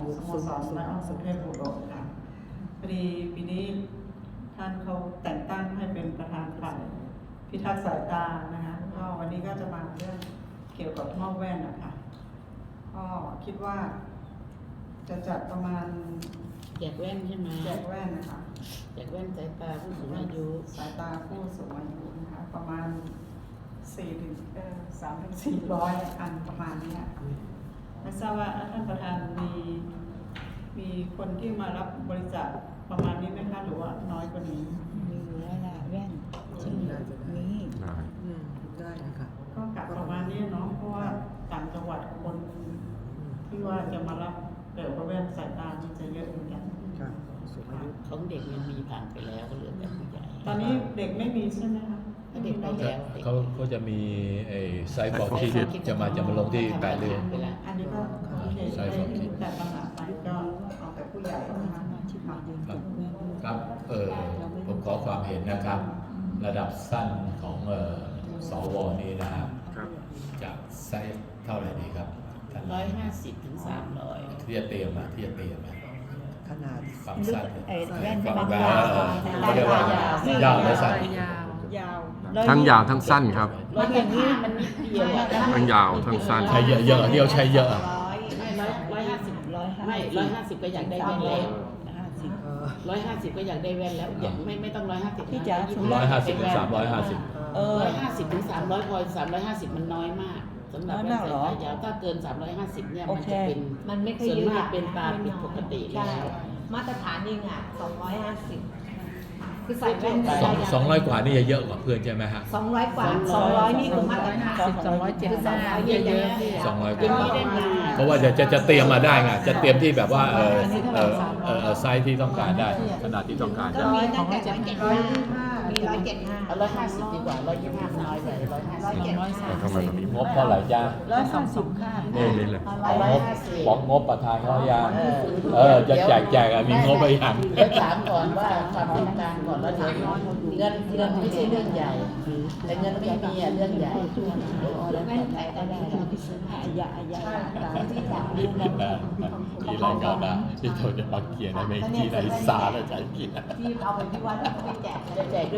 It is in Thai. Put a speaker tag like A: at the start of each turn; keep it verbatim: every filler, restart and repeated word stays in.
A: สโมสรและอ้อมสุเทพบุรุษค่ะพอดีปีนี้ท่านเขาแต่งตั้งให้เป็นประธานฝ่ายพิทักษ์สายตานะคะก็วันนี้ก็จะมาเรื่องเกี่ยวกับมอบแว่นนะคะก็คิดว่าจะจัดประมาณ
B: แจกแว่นใช่ไหม
A: แจกแว่นนะคะ
B: แจกแว่นสายตาผู้สูงอายุ
A: สายตาผู้สูงอายุนะคะประมาณสี่ถึงเอ่อสามถึงสี่ร้อยอันประมาณนี้ไม่ทราบว่าท่านประธานมีมีคนที่มารับบริจาคประมาณนี้ไหมคะหรือว่าน้อยกว่านี้
C: มีอยู่แล้วล่ะแว่นที่มี
D: ได้
E: อืมได้ค่ะ
A: ก็กะประมาณนี้เนาะเพราะว่าต่างจังหวัดคนที่ว่าจะมารับเกี่ยวกับแว่นสายตามันจะเยอะเหมือนกัน
D: ค่ะสูงอายุ
B: ของเด็กยังมีผ่านไปแล้วก็เหลือแต่ผู้ใหญ่
A: ตอนนี้เด็กไม่มีใช่ไหมคะ
B: ถ้าเด็กไปแล้วด็ก
F: เขาเขาจะมีไอ้ไซบอร์กที่จะมาจะมาลงที่แปดเดือน
B: ไปแล้ว
A: อันนี้ก็โอเค
F: ใช่
A: ได้
F: ครับ
A: แต่ปัญหาไปก็เอาแต่ผู้ใหญ่นะคะ
C: ที่มาเดิน
F: ครั
C: จั
F: บบ
C: แว่น
F: ครับเออผมขอความเห็นนะครับ ระดับสั้นของเออสวนี้นะครับ
D: ครับ
F: จะไซส์เท่าไหร่ดีครับท่าน
B: ร้อยห้าสิบถึงสามร้อย
F: ที่จะเตรียมมาที่จะเตรียมมา
D: ขนาด
F: ความสั้น
C: ไอ้แว่น
F: ค
C: ที่
F: วาม
C: มัน
F: ยาว
C: าว
F: เออเขาเรียกว่ายาวและสั้น
A: ยาว
G: ทั้งยาวทั้งสั้นครับ
B: ร้อยอย่างนี้มันนิดเดียวอะ
G: ทั้งยาวทั้งสั้น
F: ใช้เยอะเยอะเดียวใช้เยอะอะ
B: ไม่ร้อยร้อยห้าสิบ
C: ร้อยห้า
B: ไม่ร้อยห้าสิบก็อยากได้แว่นแล้ว
C: ห้าสิบ
D: เอ่อ
B: ร้อยห้าสิบก็อยากได้แว่นแล้วอยากไม่ไม่ต้องร้อยห้าสิบ
C: พี่จ๋า
F: ร้อยห้าสิบถึงสามร้อยห้าสิบ
C: เออ
B: ร้อยห้าสิบถึงสามร้อยพอสามร้อยห้าสิบมันน้อยมากสำหรับ
C: น้อย
B: แว่น
C: มาก
B: สาย
C: เหรอ
B: ตายาวถ้าเกินสามร้อยห้าสิบเนี่ย
C: โอ
B: มัน
C: เค
B: จะเป็น
H: มันไม่เคย
B: ส่วน
H: เยอะ
B: มากเป็นตาผิดปกติ
H: ใช่
B: แล้ว
H: มาตรฐานเองอ่ะสองร้อยห้าสิบคือใส่แว่น
F: สองสองร้อยกว่านี่จะเยอะกว่าเพื่อนใช่ไหมฮะ
H: สองร้อยกว่าสองร้อยนี่คือมาตรฐาน
C: สองร้อยเจ็ดสิบ
H: สองร้อยเยอะๆ
F: สองร้อยก
B: เป็น
F: ว่า
B: นี้ได้มา
F: เพราะว่าจะจะจะเตรียมมาได้ไงจะเตรียมที่แบบว่าเออเออเออเออไซส์ที่ต้องการได้ขนาดที่ต้องการ
H: ก็
F: ได้
H: มีตั้งแต่ร้อยเจ็ดห้ามีร้อยเจ็ดห้า
B: เอาร้อยห้าสิบดีกว่าร้อยยี่สิบห้าน้อยไปร้อยห้าสิบ
C: ร้อยสาม
G: ทำไม
C: สิบ
G: มันมี
F: งบเท่าไหร่จ้า
C: ร้อยสามสิบค่ะ
G: นี่นี่เลย
B: เอาร้อย
F: งบ
B: ห้าสิบ
F: บอกงบประธานเขายังเออจะแจกแจกอะมีงบไปยัง
B: เดี๋ยวถามก่อนว่าความต้องการก่อนแล้วเดี๋ยวเงินเงินไม่ใช่เรื่องใหญ่ แต่เงินไม่มีอ่ะเรื่องใหญ่
H: แว่นใส่ก็ได้
C: อายาอายาตามที่อยากดูนะ
F: ที่รายการนะที่เขาจะมาเขียนในเมกีในสาและใจกิน
H: ที่เอาไปที่วัดที่ไปแจก
B: จะแจก